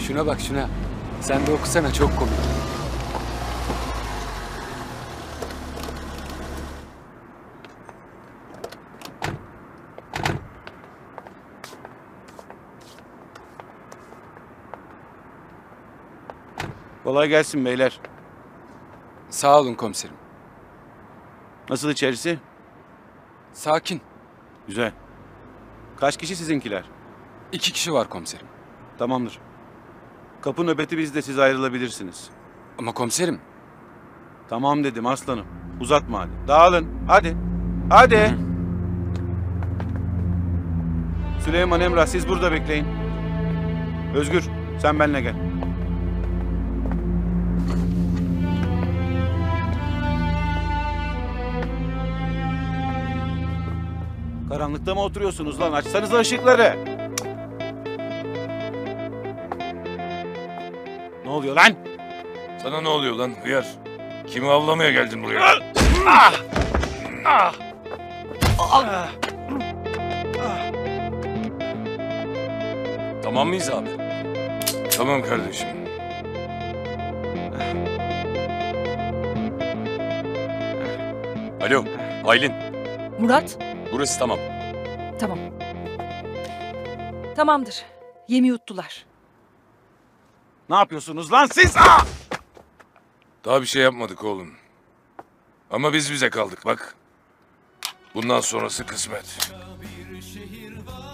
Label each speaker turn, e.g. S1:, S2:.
S1: Şuna bak şuna. Sen de okusana, çok komik.
S2: Kolay gelsin beyler.
S1: Sağ olun komiserim.
S2: Nasıl içerisi?
S1: Sakin.
S2: Güzel. Kaç kişi sizinkiler?
S1: 2 kişi var komiserim.
S2: Tamamdır. Kapı nöbeti bizde, siz ayrılabilirsiniz.
S1: Ama komiserim.
S2: Tamam dedim aslanım. Uzatma hadi. Dağılın. Hadi. Hadi. Süleyman, Emrah, siz burada bekleyin. Özgür, sen benimle gel. Karanlıkta mı oturuyorsunuz lan? Açsanıza ışıkları. Ne oluyor lan?
S3: Sana ne oluyor lan hıyar? Kimi avlamaya geldin buraya? Tamam mıyız abi? Tamam kardeşim. Alo, Aylin.
S4: Murat,
S3: Burası tamam.
S4: tamam. Tamamdır. Yemi yuttular.
S2: Ne yapıyorsunuz lan siz?
S3: Daha bir şey yapmadık oğlum. Ama biz bize kaldık bak. Bundan sonrası kısmet.